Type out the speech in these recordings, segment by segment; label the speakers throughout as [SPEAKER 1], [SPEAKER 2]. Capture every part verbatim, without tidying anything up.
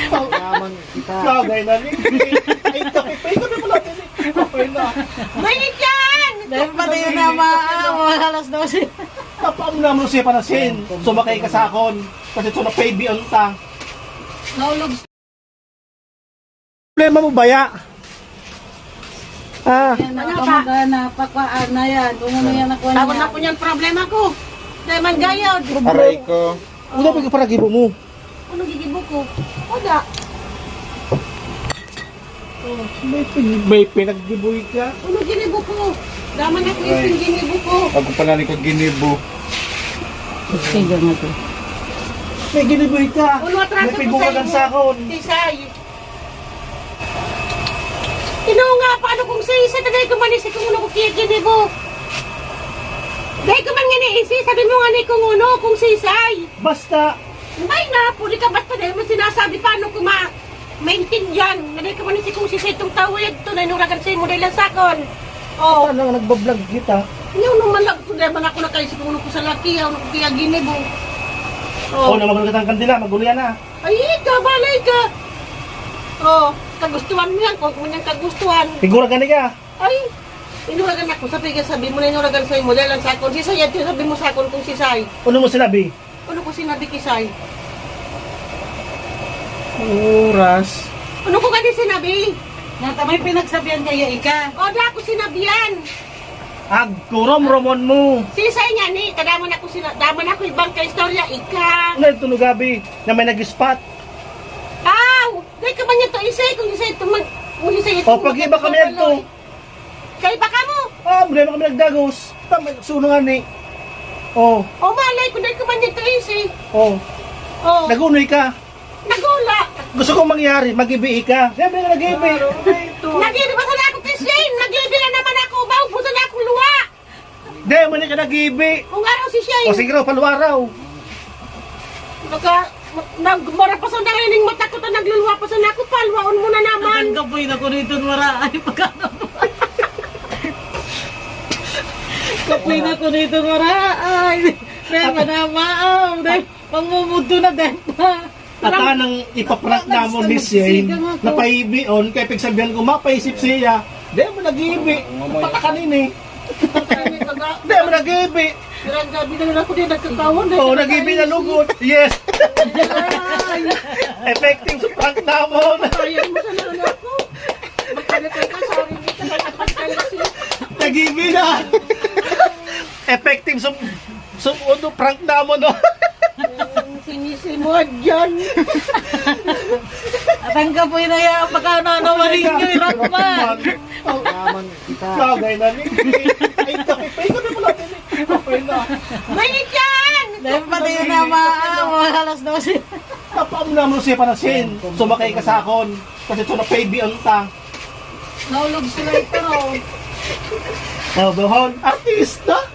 [SPEAKER 1] Yaman kita.
[SPEAKER 2] Bagay na ni. Ay, kape pa. Ikaw na pala din eh. Kape na.
[SPEAKER 3] Mainit yan!
[SPEAKER 4] Dahil pati yun na mga alas dose.
[SPEAKER 2] Tapaam na mo siya panasin. Sumakay ka sa akon. Kasi ito na baby on ta.
[SPEAKER 3] Naulog.
[SPEAKER 2] Problema mo baya? Ah.
[SPEAKER 4] Yan na kamagana, pakwaan na yan. Kung ano yan ako
[SPEAKER 3] Tawag
[SPEAKER 4] niya.
[SPEAKER 3] na po niyan problema ko. Dahil man gayod.
[SPEAKER 1] Aray ko.
[SPEAKER 2] Una pa ka para gibo mo.
[SPEAKER 3] Ano gigibo ko? Wala.
[SPEAKER 2] May, pin- may pinaggiboy ka.
[SPEAKER 3] Ano ginibo ko? Daman ako yung ginibo ko.
[SPEAKER 1] Pag ko pala ni ko ginibo.
[SPEAKER 4] Sige nga to.
[SPEAKER 2] May giniboy ka.
[SPEAKER 3] Ano atraso
[SPEAKER 2] May
[SPEAKER 3] ko
[SPEAKER 2] pigukagan
[SPEAKER 3] sa
[SPEAKER 2] sa akon.
[SPEAKER 3] Tisay. Tinaw nga, paano kung sa isa tagay ko manisip kung uno ko kaya ginibo? Dahil ko man nga naisi, sabi mo nga ni kung uno, kung sisay.
[SPEAKER 2] Basta.
[SPEAKER 3] May na, puli ka ba't pa dahil mo sinasabi paano ko ma maintindihan. Dahil ka manisip kung sisay itong tawid to na inuragan sa'yo mo dahil lang sakon. Oo.
[SPEAKER 2] Ano nga nagbablog kita?
[SPEAKER 3] Ngayon naman lang ko dahil man ako nakaisip kung uno ko sa laki, ano ko kaya ginibo.
[SPEAKER 2] Oo, na magkatang kandila. Magulo yan ah.
[SPEAKER 3] Ay, ka, balay ka. Oh, kagustuhan mo yan, kung kung yung kagustuhan.
[SPEAKER 2] Figura gani ka.
[SPEAKER 3] Ay, inuragan ako, sabi ka, sabi mo na inuragan sa'yo mo, dahil lang sakon, si Say, at sabi mo sakon kung si Say.
[SPEAKER 2] Ano mo sinabi?
[SPEAKER 3] Ano ko sinabi kay Say?
[SPEAKER 2] Oras.
[SPEAKER 3] Ano ko kani sinabi?
[SPEAKER 4] Nata may pinagsabihan kaya ika.
[SPEAKER 3] O, da ako sinabihan.
[SPEAKER 2] Agkurom romon mo.
[SPEAKER 3] Si Say nga ni, kadaman ako sina, daman ako ibang ka istorya, ika.
[SPEAKER 2] Ano ito gabi na may nag-spot?
[SPEAKER 3] Aw, dahil ka man niya to isay, kung isay ito mag, kung isay ito.
[SPEAKER 2] O pag iba kami nagto.
[SPEAKER 3] Kay baka mo.
[SPEAKER 2] Ah, muli na kami nagdagos. Tama, sunungan ni. Oh,
[SPEAKER 3] O, malay ko, dahil ka man niya to isay.
[SPEAKER 2] oh.
[SPEAKER 3] O,
[SPEAKER 2] Nagunoy ka.
[SPEAKER 3] nagula.
[SPEAKER 2] Gusto kong mangyari, mag-ibi ka. Siyempre ka nag-ibi.
[SPEAKER 3] Nag-ibi pa sana ako kay Shane, nag-ibi na naman ako, maubusan na akong luwa.
[SPEAKER 2] Di, mali ka nag-ibi.
[SPEAKER 3] Kung araw si Shane.
[SPEAKER 2] O sige raw, paluaraw.
[SPEAKER 3] Naka, nagmara pa sa narinig mata ko, ta nagluluwa pa sa ako, palwaon mo na naman.
[SPEAKER 4] Ang kapoy na ko nito mara. Ay, pagkano. Kapoy na ko nito mara. Ay, Dema na maaw. Dema, pangmumudo na Dema.
[SPEAKER 2] At anang ipaprank na mo ni Shane, napaibi on, kaya pagsabihan ko, mapaisip siya. Di mo nag-ibi. Patakanin eh. Di mo nag-ibi.
[SPEAKER 3] Gabi na lang ako din nagkakawan.
[SPEAKER 2] Oo, nag-ibi na lugot. Yes. Effective sa prank na mo.
[SPEAKER 3] Ayaw mo sa lalo ako. Magkalitay ka, sorry, hindi ka nagpagkala siya.
[SPEAKER 2] Nag-ibi na. Effective sa sa ano, prank na mo, no?
[SPEAKER 3] Sinisimod dyan.
[SPEAKER 4] At ang kapoy na yan. Pagkano na maling nyo. Irakman.
[SPEAKER 1] Yaman kita.
[SPEAKER 2] Bagay na ni. Ay, kape pa. Ikaw na pala din eh. Kape na.
[SPEAKER 3] Mainit yan!
[SPEAKER 4] Dahil pati yun na mga alas dose.
[SPEAKER 2] Tapaam na mo siya panasin. Sumakay ka sa akon. Kasi ito na baby on ta.
[SPEAKER 3] Naulog sila ito.
[SPEAKER 2] Oh, Bohon, artista.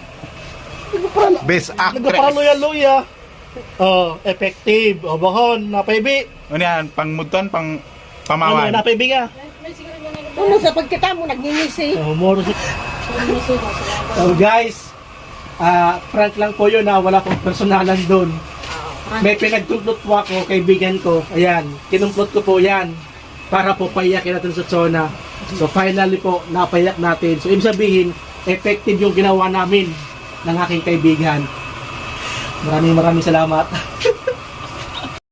[SPEAKER 1] Best actress.
[SPEAKER 2] Nagpapaloya-loya. Oh, effective. Oh, Bohon, napaibi.
[SPEAKER 1] Ano yan? Pangmuton, pang
[SPEAKER 2] Ano,
[SPEAKER 1] pamawan.
[SPEAKER 2] napaibi ka?
[SPEAKER 3] Ano sa pagkita mo, nagninisi.
[SPEAKER 2] Oh, more. So guys, ah prank lang po yun, ha? Wala pong personalan doon. May pinagtutlot po ako, kaibigan ko. Ayan, kinumplot ko po yan para po paiyakin natin sa Tsona. So finally po, napaiyak natin. So ibig sabihin, effective yung ginawa namin ng aking kaibigan. Maraming maraming salamat.